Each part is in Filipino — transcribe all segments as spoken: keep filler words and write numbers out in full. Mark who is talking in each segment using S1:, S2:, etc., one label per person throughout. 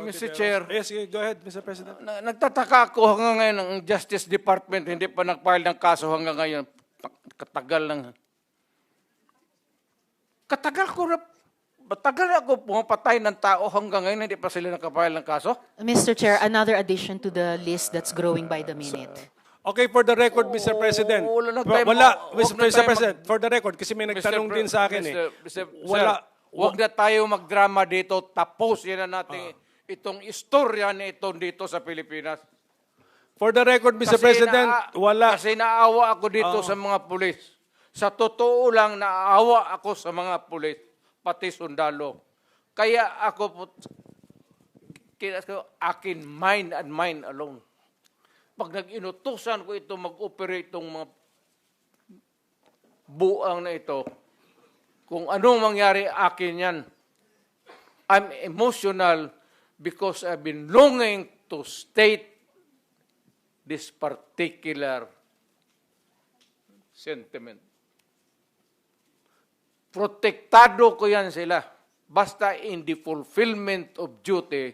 S1: Mister Chair,
S2: Yes, go ahead, Mister President.
S1: na- nagtataka ako hanggang ngayon ang Justice Department hindi pa nag-file ng kaso hanggang ngayon. Pa- Katagal lang. Katagal ko na, matagal ako pumapatay ng tao hanggang ngayon hindi pa sila nakapile ng kaso.
S3: Mister Chair, another addition to the list that's growing by the minute.
S2: Okay, for the record, Mister President.
S1: wala na
S2: Wa-
S1: tayo
S2: Wala,
S1: ma-
S2: Mister
S1: wag na
S2: Mister
S1: tayo
S2: President, for the record, kasi may nagtanong
S1: Pre-
S2: din sa akin eh.
S1: Mister Mister
S2: Wala.
S1: Sir, huwag na tayo magdrama dito. Tapos yan na natin itong istorya na ito dito sa Pilipinas.
S2: For the record, Mister President,
S1: naa-
S2: wala.
S1: Kasi naawa ako dito sa mga pulis. Sa totoo lang, naawa ako sa mga pulis, pati sundalo. Kaya ako po, kaya ko, akin mind and mind alone. Pag nag-inutusan ko ito, mag-operate itong mga buang na ito, kung anong mangyari akin yan, I'm emotional because I've been longing to state this particular sentiment. Protektado ko yan sila. Basta in the fulfillment of duty,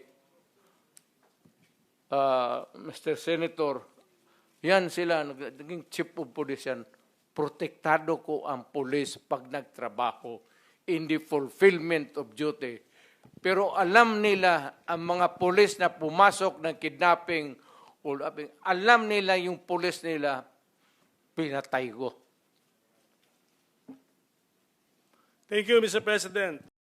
S1: uh, Mister Senator, yan sila, nag- naging chief of police yan. Protektado ko ang police pag nagtrabaho in the fulfillment of duty. Pero alam nila, ang mga police na pumasok ng kidnapping, o alam nila yung police nila, pinatay ko.
S2: Thank you, Mister President.